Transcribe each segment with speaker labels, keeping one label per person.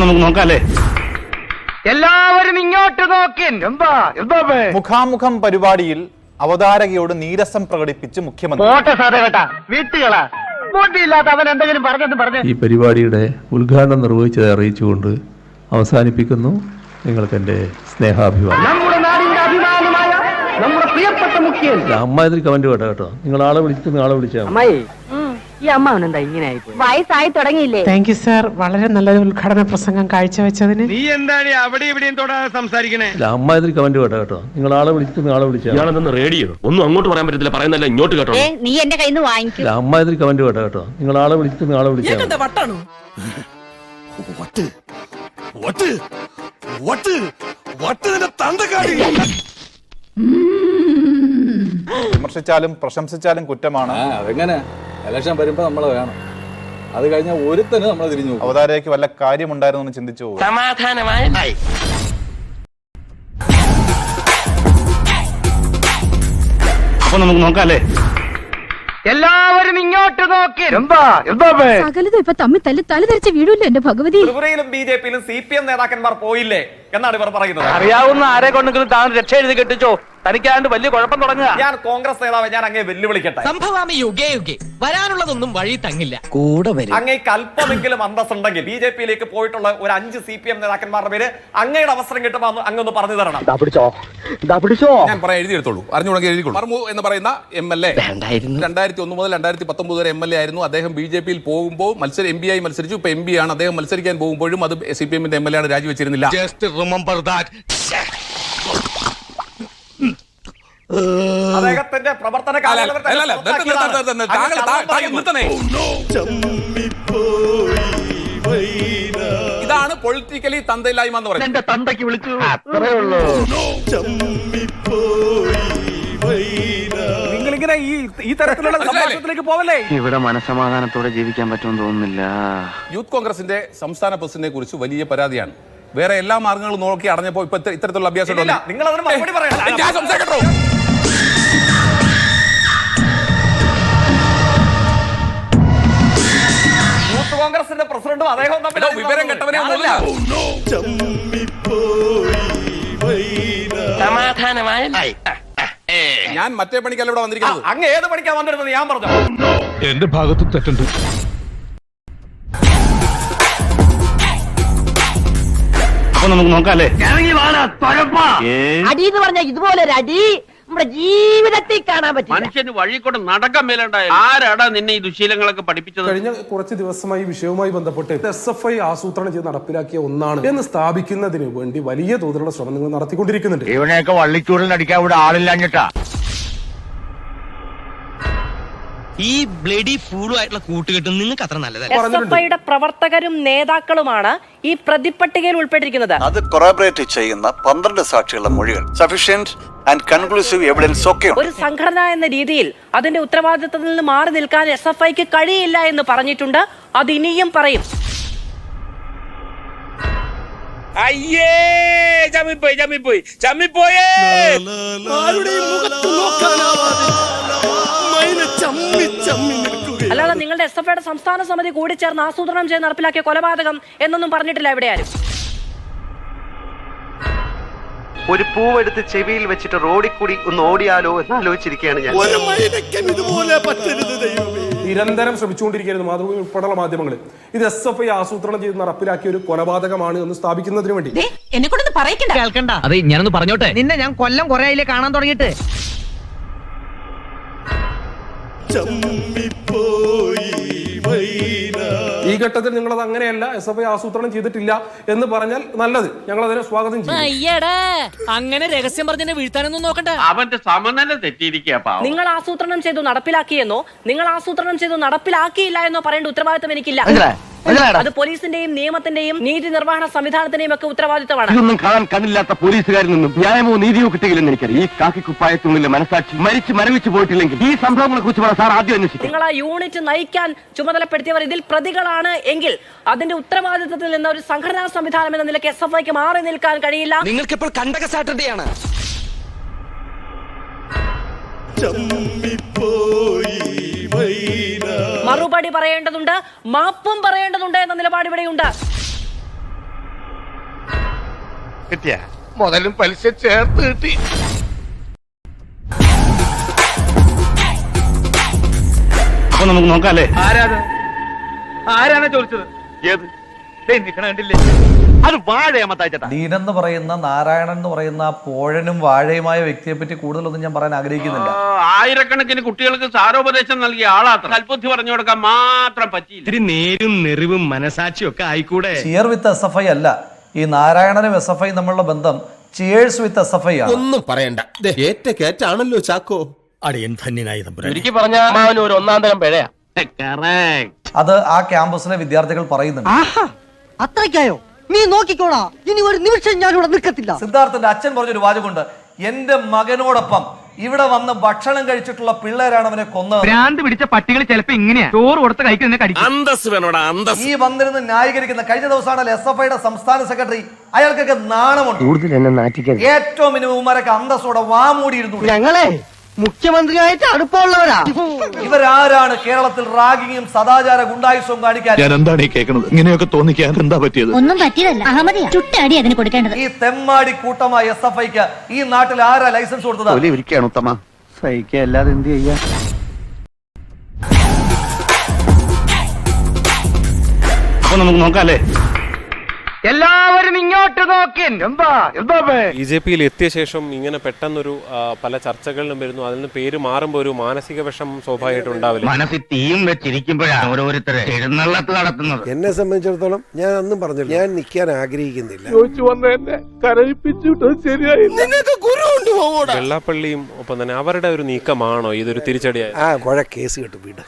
Speaker 1: നമുക്ക് നോക്കാല്ലേ?
Speaker 2: എല്ലാവരും ഇങ്ങോട്ട് നോക്കിൻ. എന്താ
Speaker 3: മുഖാമുഖം പരിപാടിയിൽ അവതാരകയോട് നീരസം പ്രകടിപ്പിച്ച് മുഖ്യമന്ത്രി.
Speaker 2: വീട്ടുകളാ ബോട്ടിയില്ലാത്ത അവൻ എന്തെങ്കിലും പറഞ്ഞു.
Speaker 4: ഈ പരിപാടിയുടെ ഉദ്ഘാടനം നിർവഹിച്ചത് അറിയിച്ചുകൊണ്ട് അവസാനിപ്പിക്കുന്നു. നിങ്ങൾക്ക് എന്റെ സ്നേഹാഭിമാനം.
Speaker 2: നമ്മുടെ നാടിന്റെ അഭിമാനമായ നമ്മുടെ പ്രിയപ്പെട്ട മുഖ്യൻ.
Speaker 4: അമ്മ ഇതിൽ കമന്റ് കേട്ടോ. നിങ്ങൾ ആളെ വിളിച്ചിട്ട് ആളെ വിളിച്ചാൽ
Speaker 2: അമ്മായി, ഈ അമ്മാവനെന്താ ഇങ്ങനെ ആയിപ്പോയി?
Speaker 5: വയസ്സായി തുടങ്ങിയില്ലേ?
Speaker 6: താങ്ക് യു സാർ, വളരെ നല്ലൊരു ഉദ്ഘാടന പ്രസംഗം കാഴ്ചവെച്ചതിന്.
Speaker 1: നീ എന്താണ് അവിടെ ഇവിടെയും തൊടാതെ സംസാരിക്കണേ?
Speaker 4: അമ്മ ഇതിൽ കമന്റ് കേട്ടോ. നിങ്ങൾ ആളെ വിളിച്ചിട്ട് ആളെ വിളിച്ചാൽ
Speaker 7: ഞാനതൊന്ന് റേഡിയോ ഒന്നും അങ്ങോട്ട് പറയാൻ പറ്റത്തില്ല, പറയുന്നല്ല ഇങ്ങോട്ട് കേട്ടോ.
Speaker 5: നീ എന്റെ കയ്യിൽ നിന്ന് വാങ്ങിക്കും.
Speaker 4: അമ്മ ഇതിൽ കമന്റ് കേട്ടോ. നിങ്ങൾ ആളെ വിളിച്ചിട്ട് ആളെ വിളിച്ചാൽ
Speaker 3: വിമർശിച്ചാലും പ്രശംസിച്ചാലും കുറ്റമാണ്.
Speaker 8: അതെങ്ങനെ ഇലക്ഷൻ വരുമ്പോ നമ്മള് വേണം, അത് കഴിഞ്ഞാൽ ഒരുത്തന് നമ്മൾ തിരിഞ്ഞു.
Speaker 3: അവതാരകയ്ക്ക് വല്ല കാര്യമുണ്ടായിരുന്നു എന്ന് ചിന്തിച്ചു പോകും.
Speaker 7: സമാധാനമായ
Speaker 1: അപ്പൊ നമുക്ക് നോക്കാല്ലേ?
Speaker 2: എല്ലാവരും ഇങ്ങോട്ട് നോക്കിൻ.
Speaker 5: സകലതും ഇപ്പൊ തമ്മിൽ തലതെറിച്ച് വീഴൂല്ലോ എന്റെ ഭഗവതി.
Speaker 9: ത്രിപുരയിലും ബി.ജെ.പിയിലും CPM നേതാക്കന്മാർ പോയില്ലേ എന്നാണ് ഇവർ പറയുന്നത്.
Speaker 2: അറിയാവുന്ന ആരെ കൊണ്ടെങ്കിലും താൻ രക്ഷ എഴുതി കെട്ടിച്ചോ, തനിക്കാണ്ട് വലിയ കുഴപ്പം തുടങ്ങുക.
Speaker 9: ഞാൻ കോൺഗ്രസ് നേതാവ്, ഞാൻ അങ്ങേ വെല്ലുവിളിക്കട്ടെ.
Speaker 10: സംഭവാമി യുഗേ യുഗേ വരാനുള്ളതൊന്നും വഴി തങ്ങില്ല.
Speaker 9: അങ്ങേക്ക് അല്പമെങ്കിലും അന്തസ്സുണ്ടെങ്കിൽ ബി.ജെ.പിയിലേക്ക് പോയിട്ടുള്ള ഒരു 5 CPM നേതാക്കന്മാരുടെ പേര് അങ്ങയുടെ അവസരം കിട്ടുമ്പോൾ അങ്ങൊന്ന് പറഞ്ഞു തരണം.
Speaker 8: ഞാൻ പറയാൻ എഴുതിയെടുത്തോളൂ, അറിഞ്ഞുകൊണ്ടെങ്കിൽ എഴുതിക്കോളൂ. മർമു എന്ന് പറയുന്ന MLA 2001 മുതൽ 2019 വരെ MLA ആയിരുന്നു. അദ്ദേഹം ബി.ജെ.പിയിൽ പോകുമ്പോൾ MP ആയി മത്സരിച്ചു. ഇപ്പൊ MP ആണ്. അദ്ദേഹം മത്സരിക്കാൻ പോകുമ്പോഴും അത് CPM-ന്റെ MLA ആണ്, രാജിവെച്ചിരുന്നില്ല.
Speaker 9: അദ്ദേഹത്തിന്റെ പ്രവർത്തന ഇതാണ് പൊളിറ്റിക്കലി തന്തയില്ലായ്മ എന്ന് പറയുന്നത്.
Speaker 2: എന്റെ തന്തയ്ക്ക് വിളിച്ചു.
Speaker 9: നിങ്ങളിങ്ങനെ ഈ തരത്തിലുള്ള സംഭാഷണത്തിലേക്ക് പോവല്ലേ?
Speaker 1: ഇവിടെ മനസമാധാനത്തോടെ ജീവിക്കാൻ പറ്റുമെന്ന് തോന്നുന്നില്ല.
Speaker 8: യൂത്ത് കോൺഗ്രസിന്റെ സംസ്ഥാന പ്രസിഡന്റിനെ കുറിച്ച് വലിയ പരാതിയാണ്. വേറെ എല്ലാ മാർഗങ്ങളും നോക്കി അടഞ്ഞപ്പോ ഇപ്പൊ ഇത്തരത്തിലുള്ള അഭ്യാസം
Speaker 9: നിങ്ങൾ അതിന് മറുപടി പറയണം. യൂത്ത് കോൺഗ്രസിന്റെ പ്രസിഡന്റും അദ്ദേഹവും തമ്മിൽ
Speaker 8: വിവരം കെട്ടവനെ
Speaker 7: സമാധാനമായ
Speaker 8: ഞാൻ മറ്റേ പണിക്കല്ല ഇവിടെ വന്നിരിക്കുന്നത്.
Speaker 9: അങ്ങ് ഏത് പണിക്കാ വന്നിരുന്നത് ഞാൻ പറഞ്ഞു.
Speaker 1: എന്റെ ഭാഗത്തും തെറ്റുണ്ട്. അപ്പൊ നമുക്ക് നോക്കാല്ലേ?
Speaker 5: അടി എന്ന് പറഞ്ഞാൽ ഇതുപോലെ ഒരു അടി നമ്മുടെ ജീവിതത്തിൽ കാണാൻ പറ്റും.
Speaker 10: മനുഷ്യന് വഴി കൂടെ നടക്കാൻ മേലുണ്ടായ ആരാടാ നിന്നെ ഈ ദുശീലങ്ങളൊക്കെ പഠിപ്പിച്ചത്?
Speaker 11: കഴിഞ്ഞ കുറച്ച് ദിവസമായി വിഷയവുമായി ബന്ധപ്പെട്ട് SFI ആസൂത്രണം ചെയ്ത് നടപ്പിലാക്കിയ ഒന്നാണ് എന്ന് സ്ഥാപിക്കുന്നതിന് വേണ്ടി വലിയ തോതിലുള്ള ശ്രമം നിങ്ങൾ നടത്തിക്കൊണ്ടിരിക്കുന്നുണ്ട്.
Speaker 1: ഇവനെയൊക്കെ വള്ളിച്ചൂടിനടിക്കാൻ ഇവിടെ ആളില്ലാഞ്ഞിട്ടാ.
Speaker 10: ഈ ബ്ലഡി ഫൂളുമായിട്ടുള്ള കൂട്ടുകെട്ടും നിങ്ങൾക്ക് അത്ര നല്ലതല്ല.
Speaker 5: SFIയുടെ പ്രവർത്തകരും നേതാക്കളുമാണ് ഈ പ്രതിപട്ടികയിൽ ഉൾപ്പെട്ടിരിക്കുന്നത്.
Speaker 12: അത് കൊറാബറേറ്റ് ചെയ്യുന്ന 12 സാക്ഷികളുടെ മൊഴികൾ സഫീഷ്യന്റ് ആൻഡ് കൺക്ലൂസീവ് എവിഡൻസ് ഒക്കെ
Speaker 5: ഒരു സംഘടന എന്ന രീതിയിൽ അതിന്റെ ഉത്തരവാദിത്തത്തിൽ നിന്ന് മാറി നിൽക്കാൻ SFIക്ക് കഴിയില്ല എന്ന് പറഞ്ഞിട്ടുണ്ട്. അത് ഇനിയും പറയും.
Speaker 10: അയ്യേ ചമ്മിപ്പോയേ
Speaker 5: അല്ലാതെ നിങ്ങളുടെ SFIയുടെ സംസ്ഥാന സമിതി കൂടി ചേർന്ന് ആസൂത്രണം ചെയ്ത് നടപ്പിലാക്കിയ കൊലപാതകം എന്നൊന്നും പറഞ്ഞിട്ടില്ല ഇവിടെ ആരും.
Speaker 2: ഒരു പൂവെടുത്ത് ചെവിയിൽ വെച്ചിട്ട് റോഡിൽ കൂടി ഒന്ന് ഓടിയാലോ എന്ന് ആലോചിച്ചിരിക്കുകയാണ് ഞാൻ.
Speaker 11: നിരന്തരം ശ്രമിച്ചുകൊണ്ടിരിക്കുന്നത് മാതൃഭൂമി ഉൾപ്പെടെയുള്ള മാധ്യമങ്ങളിൽ ഇത് SFI ആസൂത്രണം ചെയ്ത് നടപ്പിലാക്കിയ ഒരു കൊലപാതകമാണ് എന്ന് സ്ഥാപിക്കുന്നതിന് വേണ്ടി.
Speaker 5: എന്നെ കൊണ്ടൊന്ന് പറയിക്കണ്ട. കേൾക്കണ്ട.
Speaker 10: അതെ, ഞാനൊന്ന് പറഞ്ഞോട്ടെ.
Speaker 2: നിന്നെ ഞാൻ കൊല്ലം കുറെ ആയില്ലേ കാണാൻ തുടങ്ങിയിട്ട്.
Speaker 11: ഈ ഘട്ടത്തിൽ നിങ്ങൾ അത് അങ്ങനെയല്ല, SFI ആസൂത്രണം ചെയ്തിട്ടില്ല എന്ന് പറഞ്ഞാൽ നല്ലത്, ഞങ്ങൾ അതിനെ സ്വാഗതം ചെയ്യും.
Speaker 10: അങ്ങനെ രഹസ്യം പറഞ്ഞെ വീഴ്ത്താനൊന്നും നോക്കണ്ട. അവന്റെ സമനില തെറ്റിയിരിക്കുക.
Speaker 5: നിങ്ങൾ ആസൂത്രണം ചെയ്തു നടപ്പിലാക്കിയെന്നോ നിങ്ങൾ ആസൂത്രണം ചെയ്തു നടപ്പിലാക്കിയില്ല എന്നോ പറയേണ്ട ഉത്തരവാദിത്തം എനിക്കില്ല. അത് പോലീസിന്റെയും നിയമത്തിന്റെയും നീതി നിർവഹണ സംവിധാനത്തിന്റെയും ഒക്കെ ഉത്തരവാദിത്തമാണ്.
Speaker 1: ഇതൊന്നും കാണാൻ കണ്ണില്ലാത്ത പോലീസുകാരിൽ നിന്നും ന്യായമോ നീതിയോ കിട്ടിയില്ലെന്ന് എനിക്കറിയാം. ഈ കാക്കിക്കുപ്പായത്തുള്ളിലെ മനസാക്ഷി മരവിച്ചു പോയിട്ടില്ലെങ്കിൽ ഈ സംഭവങ്ങളെ കുറിച്ച് സാർ ആദ്യം അന്വേഷിക്കും.
Speaker 5: നിങ്ങൾ ആ യൂണിറ്റ് നയിക്കാൻ ചുമതലപ്പെടുത്തിയവർ ഇതിൽ പ്രതികളാണ് എങ്കിൽ അതിന്റെ ഉത്തരവാദിത്തത്തിൽ നിന്ന് ഒരു സംഘടനാ സംവിധാനം എന്ന നിലയ്ക്ക് SFIക്ക് മാറി നിൽക്കാൻ കഴിയില്ല.
Speaker 10: നിങ്ങൾക്കിപ്പോൾ കണ്ടക സാറ്റർഡേയാണ്.
Speaker 5: മറുപടി പറയേണ്ടതുണ്ട്, മാപ്പും പറയേണ്ടതുണ്ട് എന്ന നിലപാട് ഇവിടെയുണ്ട്.
Speaker 1: കിട്ടിയ മുതലും പലിശ ചേർത്ത് കിട്ടി. അപ്പൊ നമുക്ക് നോക്കാല്ലേ?
Speaker 10: ആരാണ് ചോദിച്ചത്?
Speaker 1: ഏത്
Speaker 10: കണ്ടില്ലേ?
Speaker 1: അത് വാഴയമ്മത്തായിട്ടാ.
Speaker 9: ദീനെന്ന് പറയുന്ന നാരായണൻ എന്ന് പറയുന്ന ആ പോഴനും വാഴയുമായ വ്യക്തിയെ പറ്റി കൂടുതലൊന്നും ഞാൻ പറയാൻ ആഗ്രഹിക്കുന്നില്ല.
Speaker 10: ആയിരക്കണക്കിന് കുട്ടികൾക്ക് സാരോപദേശം നൽകിയ ആളാത്ര. കൽബുദ്ധി പറഞ്ഞു കൊടുക്കാൻ മാത്രം പറ്റിയില്ല.
Speaker 1: ഇത്തിരി നേരും നെറിവും മനസാക്ഷിയും ഒക്കെ ആയിക്കൂടെ?
Speaker 9: ചിയർ വിത്ത് SFI അല്ല, ഈ നാരായണനും SFI തമ്മിലുള്ള ബന്ധം ചിയേഴ്സ് വിത്ത് SFI ആണ്.
Speaker 1: ഒന്നും പറയണ്ട, ഏറ്റ കേറ്റാണല്ലോ ചാക്കോ. അടിയൻ ധന്യനായി
Speaker 10: ഒരിക്കൽ പറഞ്ഞ ഒരു ഒന്നാം തരം പിഴയാ.
Speaker 9: അത് ആ ക്യാമ്പസിലെ വിദ്യാർത്ഥികൾ പറയുന്നുണ്ട്.
Speaker 6: അത്രയ്ക്കായോ? നീ നോക്കിക്കോളാ, ഇനി ഒരു നിമിഷം ഞാൻ ഇവിടെ നിൽക്കത്തില്ല.
Speaker 9: സിദ്ധാർത്ഥന്റെ അച്ഛൻ പറഞ്ഞൊരു വാചകമുണ്ട്, എന്റെ മകനോടൊപ്പം ഇവിടെ വന്ന് ഭക്ഷണം കഴിച്ചിട്ടുള്ള പിള്ളേരാണ് അവനെ കൊന്നത്.
Speaker 10: ഭ്രാന്ത് പിടിച്ച പട്ടികൾ ചിലപ്പോ ഇങ്ങനെയാ ചോറ് കൊടുത്ത് കഴിക്കുന്ന
Speaker 1: അന്തസ് വേണോടാ, അന്തസ്.
Speaker 9: ഈ വന്നിരുന്ന് ന്യായീകരിക്കുന്ന കഴിഞ്ഞ ദിവസമാണ് SFIയുടെ സംസ്ഥാന സെക്രട്ടറി, അയാൾക്കൊക്കെ നാണമുണ്ട്.
Speaker 1: കൂടുതൽ എന്നെ നാറ്റിക്കരുത്.
Speaker 9: ഏറ്റവും മിനിമം ഇവരൊക്കെ അന്തസ്സോടെ വാമൂടിയിരുന്നു.
Speaker 6: ഞങ്ങളെ മുഖ്യമന്ത്രിയായിട്ട് അടുപ്പമുള്ളവരാ.
Speaker 9: ഇവരാരാണ് കേരളത്തിൽ റാഗിങ്ങും സദാചാര ഗുണ്ടായുസവും കാണിക്കാൻ?
Speaker 1: ഞാൻ എന്താണ് ഈ കേൾക്കുന്നത്? ഇങ്ങനെയൊക്കെ തോന്നിക്കാൻ എന്താ പറ്റിയത്?
Speaker 6: ഒന്നും പറ്റിയതല്ല, അഹമ്മദിയാ ചുട്ടടി അതിന് കൊടുക്കേണ്ടത്.
Speaker 9: ഈ തെമ്മാടി കൂട്ടമായ SFIക്ക് ഈ നാട്ടിൽ ആരാ ലൈസൻസ് കൊടുത്തത്?
Speaker 1: ഇരിക്കുകയാണ് ഉത്തമ, സഹിക്കുക അല്ലാതെ എന്ത് ചെയ്യാ? അപ്പൊ നമുക്ക് നോക്കാല്ലേ?
Speaker 10: എല്ലാവരും ഇങ്ങോട്ട് നോക്കിൻ.
Speaker 13: BJPയിൽ എത്തിയ ശേഷം ഇങ്ങനെ പെട്ടെന്നൊരു പല ചർച്ചകളിലും വരുന്നു. അതിൽ നിന്ന് പേര് മാറുമ്പോൾ ഒരു മാനസിക വിഷമം സ്വാഭാവികമായിട്ട് ഉണ്ടാവില്ല.
Speaker 1: മനസ്സിൽ തീയും വെച്ചിരിക്കുമ്പോഴാണ് ഓരോരുത്തരെ എഴുന്നള്ളത്ത് നടത്തുന്നത്.
Speaker 2: എന്നെ സംബന്ധിച്ചിടത്തോളം ഞാൻ ഒന്നും പറഞ്ഞില്ല, ഞാൻ നിൽക്കാൻ ആഗ്രഹിക്കുന്നില്ല.
Speaker 13: വെള്ളാപ്പള്ളിയും ഒപ്പം തന്നെ അവരുടെ ഒരു നീക്കമാണോ ഇതൊരു തിരിച്ചടിയായി?
Speaker 2: കുഴ കേസ് കിട്ടും, വീട്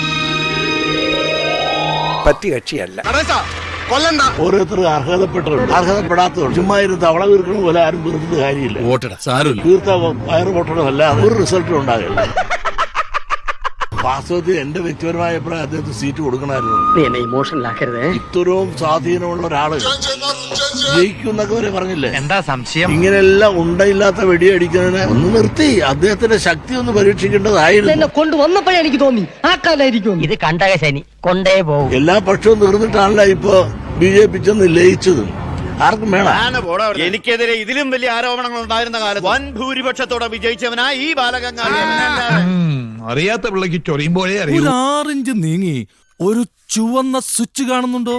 Speaker 2: പറ്റി കക്ഷിയല്ല.
Speaker 1: ഓരോരുത്തർ അർഹതപ്പെടാത്തതുണ്ട്. ചുമ്മാ ഇരുന്ന് തവള വീർക്കണ പോലെ ആരും വീർത്തിട്ട് കാര്യമില്ല. വോട്ടിട സാരമില്ല, തീർത്ത വയറ് വോട്ടണമല്ലാതെ ഒരു റിസൾട്ടും ഉണ്ടാകില്ല. വാസ്തവത്തിൽ എന്റെ വ്യക്തിപരമായ അഭിപ്രായം അദ്ദേഹത്തിന് സീറ്റ് കൊടുക്കണമായിരുന്നു.
Speaker 10: ഇമോഷണലാക്കരുത്.
Speaker 1: ഇത്രയും സ്വാധീനമുള്ള ഒരാള് ജയിക്കും എന്നൊക്കെ വരെ പറഞ്ഞില്ലേ?
Speaker 10: എന്താ സംശയം?
Speaker 1: ഇങ്ങനെയെല്ലാം ഉണ്ടയില്ലാത്ത വെടിയടിക്കുന്നതിന് ഒന്ന് നിർത്തി അദ്ദേഹത്തിന്റെ ശക്തി ഒന്ന് പരീക്ഷിക്കേണ്ടതായിരുന്നു.
Speaker 6: എന്നെ കൊണ്ടുവന്നപ്പോഴേ എനിക്ക് തോന്നി ആ കാലായിരിക്കും ഇത്. കണ്ടക ശനി കൊണ്ടേ പോകും.
Speaker 1: എല്ലാ പക്ഷവും തീർന്നിട്ടാണല്ലോ ഇപ്പൊ BJP ചെന്ന് ലയിച്ചതും. ആർക്കും വേണം.
Speaker 10: എനിക്കെതിരെ ഇതിലും വലിയ ആരോപണങ്ങൾ ഉണ്ടായിരുന്ന കാലത്ത് വൻ ഭൂരിപക്ഷത്തോടെ വിജയിച്ചവനാ ഈ ബാലഗംഗാധര.
Speaker 1: അറിയാത്ത പിള്ളക്ക് ചൊറിയുമ്പോഴേ അറിയൂ. 6 ഇഞ്ച് നീങ്ങി ഒരു ചുവന്ന സ്വിച്ച് കാണുന്നുണ്ടോ?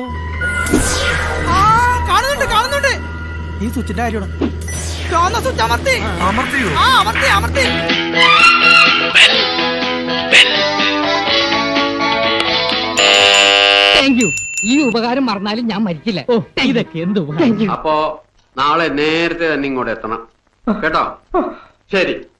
Speaker 6: കാണുന്നുണ്ട്. ഈ സ്വിച്ചിന്റെ കാര്യമാണ്. ഈ ഉപകാരം മറന്നാലും ഞാൻ മരിക്കില്ല. ഇതൊക്കെ എന്ത്?
Speaker 10: അപ്പോ നാളെ നേരത്തെ തന്നെ ഇങ്ങോട്ട് എത്തണം കേട്ടോ? ശരി.